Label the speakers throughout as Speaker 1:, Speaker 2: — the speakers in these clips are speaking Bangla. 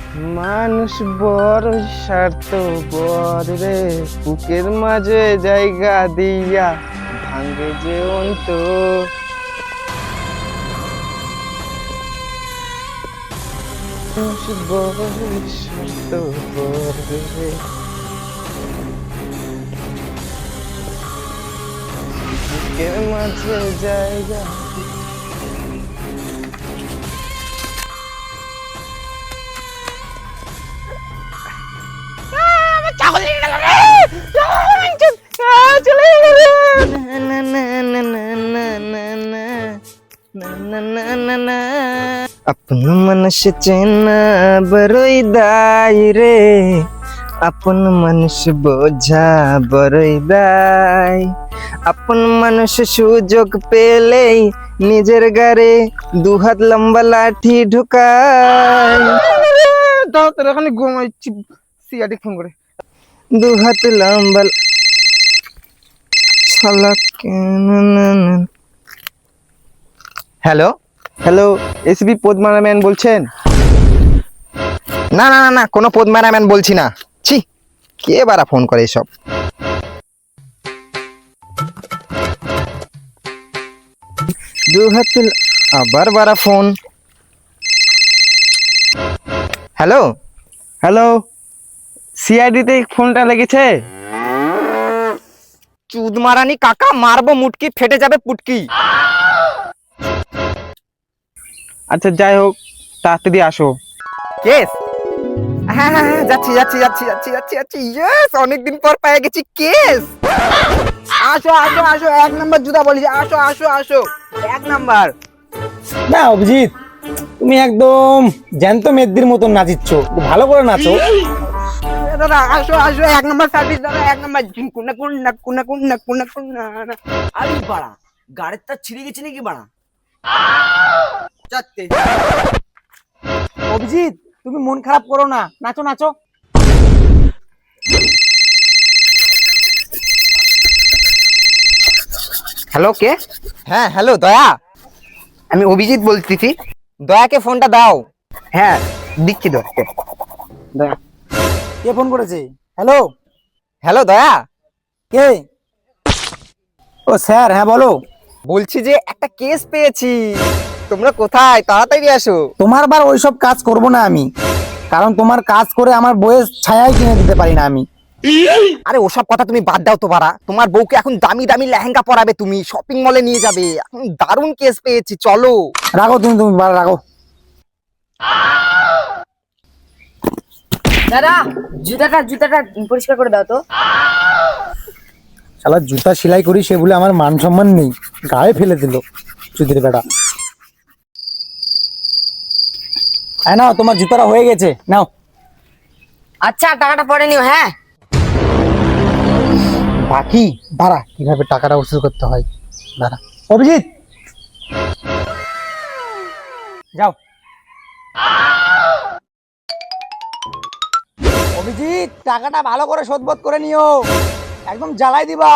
Speaker 1: মানুষ বড় স্বার্থপর রে, বুকের মাঝে জায়গা দিয়া ভাঙে যে অন্তর। মানুষ বড় স্বার্থপর রে, বুকের মাঝে জায়গা। আপন মানুষ চেনা বড়ই দায় রে, আপন মানুষ বোঝা বড়ই দায়। আপন মানুষ সুযোগ পেলেই নিজের গারে দুহাত লম্বা লাঠি ঢুকায়। দাও তোর এখানে ঘুমাইছি, সিয়াটি ফোন করে। দুহাত লম্বা শালা হ্যালো হ্যালো, এসবি পদ্মারা ম্যান বলছেন? না না না না, কোনো পদ্মারা ম্যান বলছি না। ছি, কে বারা ফোন করে এসব? আবার বারা ফোন। হ্যালো হ্যালো, সিআইডিতে ফোনটা লেগেছে? চুদ মারানি কাকা, মারবো মুটকি, ফেটে যাবে পুটকি। আচ্ছা যাই হোক, তাড়াতাড়ি আসো। কেস? হ্যাঁ হ্যাঁ হ্যাঁ, যাচ্ছি যাচ্ছি যাচ্ছি যাচ্ছি যাচ্ছি যাচ্ছি। ইয়েস, অনেকদিন পর পেয়ে গেছি কেস। আসো আসো আসো, এক নাম্বার জুতা বলিস, আসো আসো আসো, এক নাম্বার।
Speaker 2: না অভিজিৎ, তুমি একদম জ্যান্ত মেদ্দির মতন নাচিচ্ছ, ভালো করে নাচো।
Speaker 1: দাদা আসো আসো, এক নাম্বার সার্ভিস দাদা, এক নাম্বার। কুনা কুনা কুনা কুনা কুনা কুনা।
Speaker 3: আরে বাড়া, গাড়ির তার ছিঁড়ে গেছে নাকি বাড়া?
Speaker 1: চাচ্ছে।
Speaker 2: অভিজিৎ, তুমি মন খারাপ করো না, নাচো নাচো।
Speaker 1: হ্যালো, কে? হ্যাঁ হ্যালো, দয়া, আমি অভিজিৎ বলতেছি। দয়াকে ফোনটা দাও। হ্যাঁ দিচ্ছি দয়াকে। দয়া,
Speaker 2: কে ফোন করেছে? হ্যালো
Speaker 1: হ্যালো দয়া।
Speaker 2: কে? ও স্যার, হ্যাঁ বলো।
Speaker 1: বলছি যে একটা কেস পেয়েছি, তোমরা কোথায়? তাড়াতাড়ি আসো।
Speaker 2: তোমার বার ওইসব কাজ করব না আমি, কারণ তোমার কাজ করে আমার বইয়ের ছায়াই কিনে দিতে পারি না আমি।
Speaker 1: আরে ওসব কথা তুমি বাদ দাও তো বাড়া, তোমার বউকে এখন দামি দামি লেহেঙ্গা পরাবে, তুমি শপিং মলে নিয়ে যাবে। এখন দারুণ কেস পেয়েছি, চলো।
Speaker 2: রাখো তুমি, তুমি রাখো।
Speaker 4: দাদা, জুতাটা জুতাটা পরিষ্কার করে দাও তো।
Speaker 2: শালা জুতা সেলাই করি, সে বলে আমার মান সম্মান নেই, গায়ে ফেলে দিল চুদির বেটা। হ্যাঁ নাও, তোমার জুতাটা হয়ে গেছে, নাও।
Speaker 4: আচ্ছা, টাকাটা পরে নিও। হ্যাঁ,
Speaker 2: বাকি দাঁড়া, কিভাবে টাকাটা উসুল করতে হয় দাঁড়া। অভিজিৎ যাও। অভিজিৎ, টাকাটা ভালো করে শোধবোধ করে নিও, একদম জ্বালাই দিবা।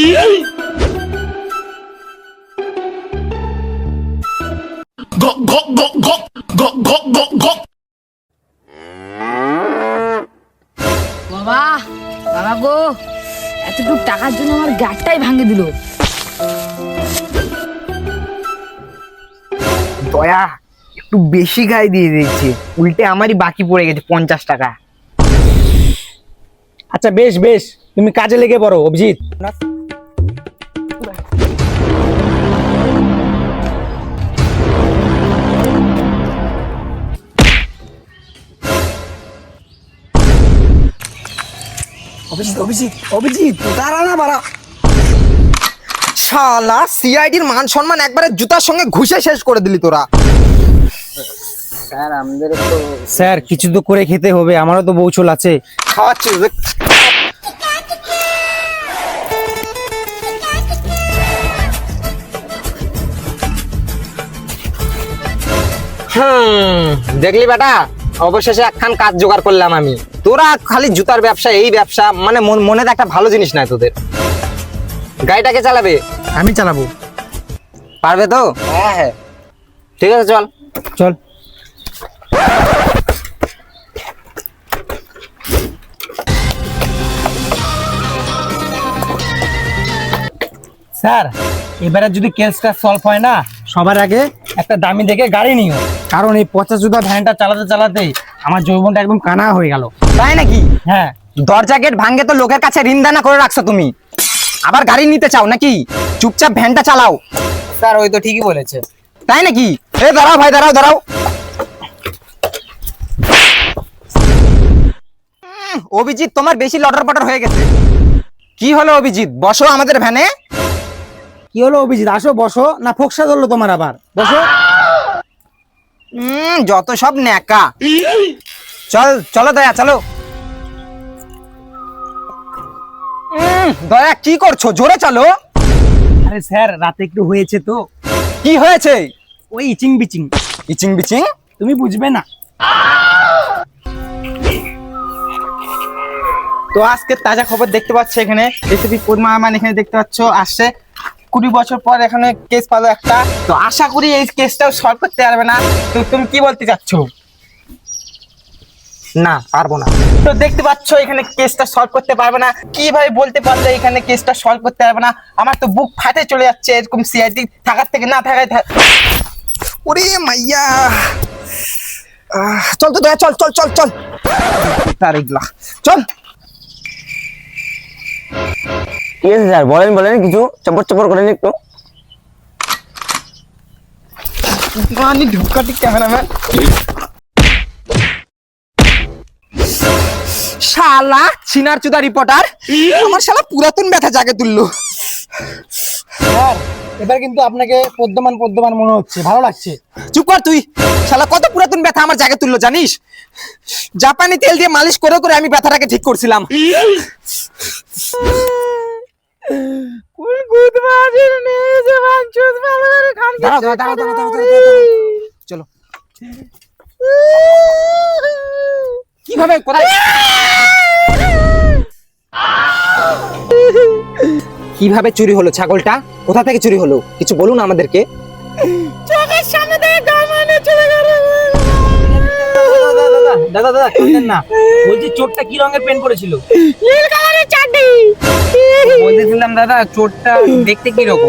Speaker 4: বাবা বাবা গো, এতটুকু টাকার জন্য আমার গাড়টাই ভাঙে দিল।
Speaker 1: দয়া একটু বেশি গায়ে দিয়ে দিয়েছে, উল্টে আমারই বাকি পড়ে গেছে 50 টাকা।
Speaker 2: আচ্ছা বেশ বেশ, তুমি কাজে লেগে পড়ো অভিজিৎ। অভিজিৎ অভিজিৎ অভিজিৎ, দাঁড়া না বাড়া।
Speaker 1: শালা সিআইডির মান সম্মান একবারে জুতার সঙ্গে ঘুষে শেষ করে দিলি তোরা।
Speaker 3: স্যার আমাদের তো
Speaker 2: স্যার কিছু তো করে খেতে হবে, আমারও তো বউচল আছে।
Speaker 1: খাওয়াচ্ছি। দেখলি বেটা, অবশেষে একখান কাজ জোগাড় করলাম আমি। তোরা খালি জুতার ব্যবসা, এই ব্যবসা, মানে মনে একটা ভালো জিনিস নাই তোদের। গাড়িটাকে চালাবে?
Speaker 2: আমি চালাবো।
Speaker 1: পারবে তো? হ্যাঁ হ্যাঁ, ঠিক আছে, চল
Speaker 2: চল। স্যার এবারে যদি কেসটা সলভ হয় না, সবার আগে একটা দামি দেখে গাড়ি নিও, কারণ এই পচা চুদা ভ্যানটা চালাতে চালাতে আমার যৌবনটা একদম কানা হয়ে গেল।
Speaker 1: তাই নাকি?
Speaker 2: হ্যাঁ।
Speaker 1: দরজা গেট ভাঙে তো লোকের কাছে ঋণ দানা করে রাখছো তুমি, আবার গাড়ি নিতে চাও নাকি? চুপচাপ ভ্যানটা চালাও।
Speaker 2: স্যার ওই তো ঠিকই বলেছে।
Speaker 1: তাই নাকি? এ দাঁড়াও ভাই, দাঁড়াও দাঁড়াও। অভিজিৎ তোমার বেশি লটর পটর হয়ে গেছে। কি হলো অভিজিৎ, বসো আমাদের ভ্যানে।
Speaker 2: কি হলো অভিজিৎ, আসো বসো। না ফোকসা ধরলো তোমার আবার? বসো।
Speaker 1: যত সব ন্যাকা। চল চলো দয়া, চলো। দয়া কি করছো, জোরে চলো।
Speaker 2: আরে স্যার রাতে একটু হয়েছে তো।
Speaker 1: কি হয়েছে?
Speaker 2: ওই ইচিং বিচিং।
Speaker 1: ইচিং বিচিং?
Speaker 2: তুমি বুঝবে না।
Speaker 1: তো আজকে তাজা খবর দেখতে পাচ্ছ, এখানে এসপি পদ্মা আমান এখানে দেখতে পাচ্ছ আসছে। 20 বছর পর এখানে কেস পালো একটা। তো আশা করি এই কেসটাও সলভ করতে পারবে না। তো তুমি কি বলতে চাচ্ছ? না পারবো না। তো দেখতে পাচ্ছ এখানে কেসটা সলভ করতে পারবে না। কিভাবে বলতে পারলে এখানে কেসটা সলভ করতে পারবে না? আমার তো বুক ফাটে চলে যাচ্ছে এরকম সিআইডি থাকার থেকে না থাকায়। ওরে মাইয়া, চল তো দয়া, চল চল চল চল। তার এগুলা চল।
Speaker 3: কি আছে স্যার, বলেন বলেন, কিছু চপর চপর করেন একটু।
Speaker 1: মানে ঢুকাটি ক্যামেরাম্যান শালা চিনার চুদা রিপোর্টার আমার শালা পুরাতন ব্যথা জাগে তুললো।
Speaker 2: স্যার এবার কিন্তু আপনাকে পদ্মমান পদ্মমান মনে হচ্ছে, ভালো লাগছে।
Speaker 1: চুপ কর তুই, শালা কত পুরাতন ব্যথা আমার জাগে তুললো জানিস? জাপানি তেল দিয়ে মালিশ করে করে আমি ব্যথাটাকে ঠিক করছিলাম। চলো কিভাবে কোথায় কিভাবে চুরি হলো ছাগলটা? কোথা থেকে চুরি হলো কিছু বলুন আমাদেরকে। চোখের সামনে থেকে গামানে চলে গেল।
Speaker 2: দাদা দাদা কাঁদেন না, বলছি চোরটা কি রঙের পেন করেছিল?
Speaker 1: নীল কালারের চাড্ডি।
Speaker 2: বলতেছিলাম দাদা চোরটা দেখতে কি রকম?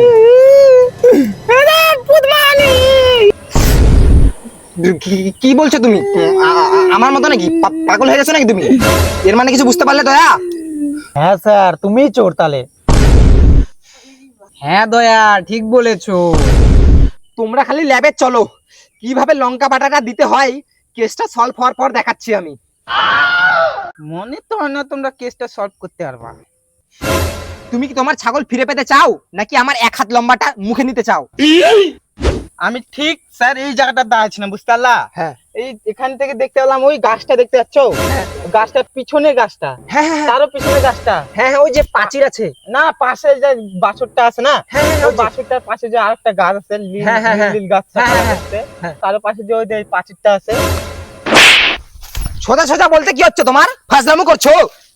Speaker 1: কি বলছো তুমি? আমার মতো নাকি? পাগল হয়ে গেছো নাকি তুমি? এর মানে কিছু বুঝতে পারলে দয়া?
Speaker 2: হ্যাঁ স্যার তুমিই চোর তাহলে।
Speaker 1: হ্যাঁ দয়া ঠিক বলেছো। তোমরা খালি ল্যাবে চলো, কিভাবে লঙ্কা বাটাটা দিতে হয় কেসটা সলভ হওয়ার পর দেখাচ্ছি আমি। মনে তো হয় না তোমরা কেসটা সলভ করতে পারবা। তুমি কি তোমার ছাগল ফিরে পেতে চাও নাকি আমার 1 হাত লম্বাটা মুখে নিতে চাও? আমি ঠিক স্যার এই জায়গাটা দাঁড়াচ্ছিলাম, বুঝতে পারলা?
Speaker 2: হ্যাঁ।
Speaker 1: এই এখান থেকে দেখতে পেলাম ওই গাছটা দেখতে পাচ্ছ? গাছটার পিছনে গাছটা, হ্যাঁ হ্যাঁ তারও পিছনে গাছটা, হ্যাঁ হ্যাঁ ওই যে পাঁচির আছে না, পাশে যে বাছুরটা আছে না, হ্যাঁ হ্যাঁ ওই বাছুরটার পাশে যে আরেকটা গাছ আছে, নীল গাছটা আছে, তার পাশে যে ওই যে পাঁচিরটা আছে। সোজা সোজা বলতে কি হচ্ছে তোমার? ফাজলামো করছো?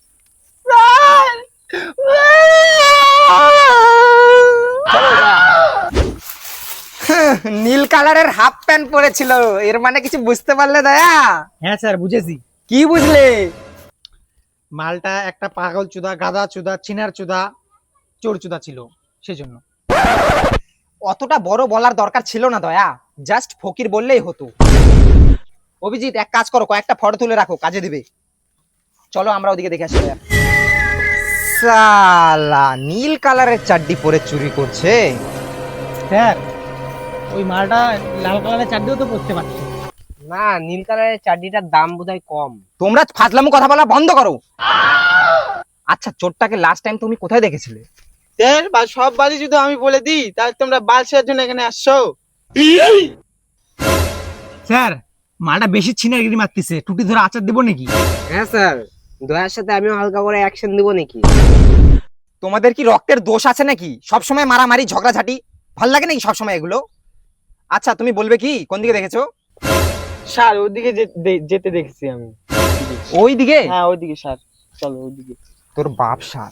Speaker 1: নীল কালারের হাফ প্যান্ট পরেছিল, এর মানে কিছু বুঝতে পারলে দয়া?
Speaker 2: হ্যাঁ স্যার বুঝেছি।
Speaker 1: কি বুঝলে?
Speaker 2: মালটা একটা পাগল চুদা, গাদা চুদা, চিনার চুদা, চোর চুদা ছিল, সেজন্য।
Speaker 1: অতটা বড় বলার দরকার ছিল না দয়া, জাস্ট ফকির বললেই হতো। অভিজিৎ এক কাজ করো, কয়েকটা ফটো তুলে রাখো, কাজে দিবে। চলো আমরা ওদিকে দেখে আসি। সালা নীল কালারের চাড্ডি পরে চুরি করছে।
Speaker 2: স্যার ওই মালটা লাল কালারের চাড্ডিও তো পরতে পারছে
Speaker 3: না, নীল কালারের চাড্ডিটার দাম বোধহয় কম।
Speaker 1: তোমরা ফাজলামো কথা বলা বন্ধ করো। আচ্ছা চোরটাকে লাস্ট টাইম তুমি কোথায় দেখেছিলে?
Speaker 5: সব বাড়ি যদি আমি বলে দিই তাহলে তোমরা বালসের জন্য এখানে আসছো।
Speaker 2: স্যার মালটা বেশি ছিনারগিরি মারতেছে, টুটি ধরে আচার দেবো নাকি?
Speaker 3: হ্যাঁ স্যার, দয়ার সাথে আমিও হালকা করে অ্যাকশন দেবো নাকি?
Speaker 1: তোমাদের কি রক্তের দোষ আছে নাকি? সবসময় মারামারি ঝগড়াঝাটি ভাল লাগে নাকি সবসময় এগুলো? আচ্ছা তুমি বলবে কি কোন দিকে দেখেছো?
Speaker 5: স্যার ওইদিকে যেতে দেখেছি আমি।
Speaker 1: ওই দিকে?
Speaker 5: হ্যাঁ ওইদিকে স্যার, চলো ওইদিকে।
Speaker 1: তোর বাপ সার।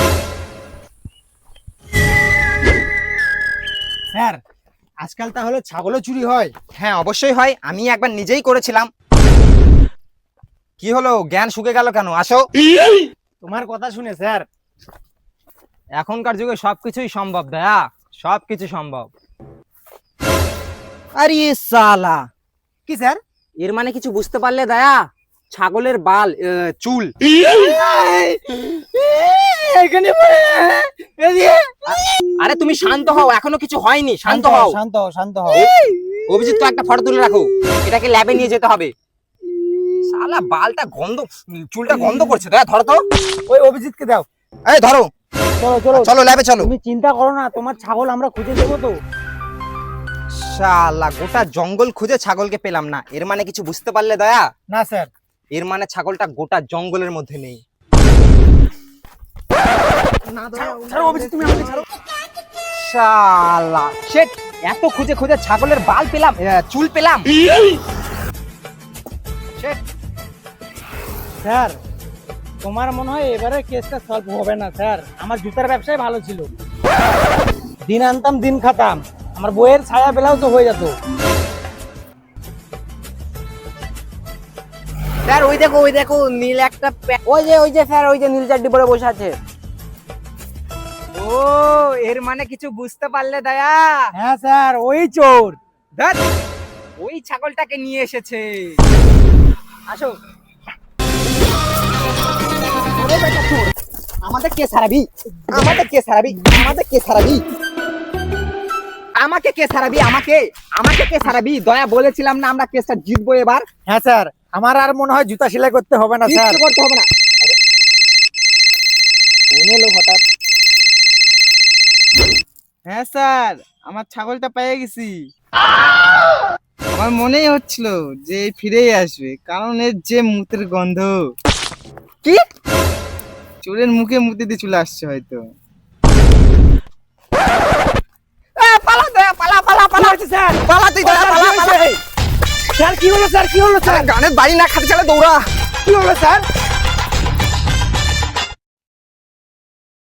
Speaker 2: স্যার আজকাল তাহলে ছাগলও চুরি হয়?
Speaker 1: হ্যাঁ অবশ্যই হয়, আমি একবার নিজেই করেছিলাম। কি হলো, জ্ঞান শুকে গেল কেন? আসো।
Speaker 2: তোমার কথা শুনে স্যার এখনকার যুগে সবকিছুই সম্ভব দয়া, সবকিছু সম্ভব।
Speaker 1: আরে সালা,
Speaker 2: কি স্যার?
Speaker 1: এর মানে কিছু বুঝতে পারলে দয়া? ছাগলের বাল, চুল। আরে তুমি শান্ত হও, এখনো কিছু হয়নি, শান্ত হও।
Speaker 2: শান্ত হও, শান্ত হও।
Speaker 1: অভিজিৎ তো একটা ফটো তুলে রাখো, এটাকে ল্যাবে নিয়ে যেতে হবে। শালা বালটা গন্ধ, চুলটা গন্ধ করছে। দয়া ধরো তো।
Speaker 2: ওই অভিজিৎকে দাও।
Speaker 1: এই ধরো,
Speaker 2: চলো চলো
Speaker 1: চলো ল্যাবে চলো।
Speaker 2: তুমি চিন্তা করো না, তোমার ছাগল আমরা খুঁজে দেবো তো।
Speaker 1: শালা গোটা জঙ্গল খুঁজে ছাগলকে পেলাম না, এর মানে কিছু বুঝতে পারলে দয়া?
Speaker 2: না স্যার।
Speaker 1: এর মানে ছাগলটা গোটা জঙ্গলের মধ্যে নেই।
Speaker 2: ছাড়ো অভিজিৎ, তুমি আমাকে ছাড়ো।
Speaker 1: শালা শেট, এত খুঁজে খুঁজে ছাগলের বাল পেলাম, চুল পেলাম।
Speaker 2: স্যার তোমার মনে হয় এবারে কেসটা সলভ হবে না স্যার। আমার জুতার ব্যবসায় ভালো ছিল, দিন আনতাম দিন খাতাম, আমার বইয়ের ছায়া বেলাও তো হয়ে যেত।
Speaker 1: স্যার ওই দেখো নীল একটা ওই যে স্যার, ওই যে নীল চাড্ডি পরে বসে আছে। ও, এর মানে কিছু বুঝতে পারলে দয়া?
Speaker 2: হ্যাঁ স্যার, ওই চোর।
Speaker 1: ধ্যাৎ, ওই ছাগলটাকে নিয়ে এসেছে। আসো। ওরে বেটা চোর, আমাদের কে ছাড়াবি? আমাদের কে ছাড়াবি? আমাদের কে ছাড়াবি? আমাকে কে ছাড়াবি? আমাকে কে ছাড়াবি? দয়া বলেছিলাম না আমরা কেসটা জিতবো এবার।
Speaker 2: হ্যাঁ স্যার, আমার আর মনে হয় জুতা সেলাই করতে হবে না স্যার।
Speaker 1: কিচ্ছু করতে হবে না। আরে, ফোন এলো হঠাৎ।
Speaker 5: হ্যাঁ স্যার, আমার ছাগলটা পেয়ে গেছি। আমার মনেই হচ্ছিল যে ফিরেই আসবে, কারণ এর যে মুতের গন্ধ।
Speaker 1: কি?
Speaker 5: চোরের মুখে মুতে দিয়ে চলে আসছে হয়তো।
Speaker 1: পালা দয়া, পালা।
Speaker 2: স্যার
Speaker 1: পালা তুই দয়া, পালা।
Speaker 2: স্যার কি হলো স্যার? কি হলো স্যার?
Speaker 1: গানের বাড়ি না খাতে চলে দৌড়া।
Speaker 2: কি হলো স্যার?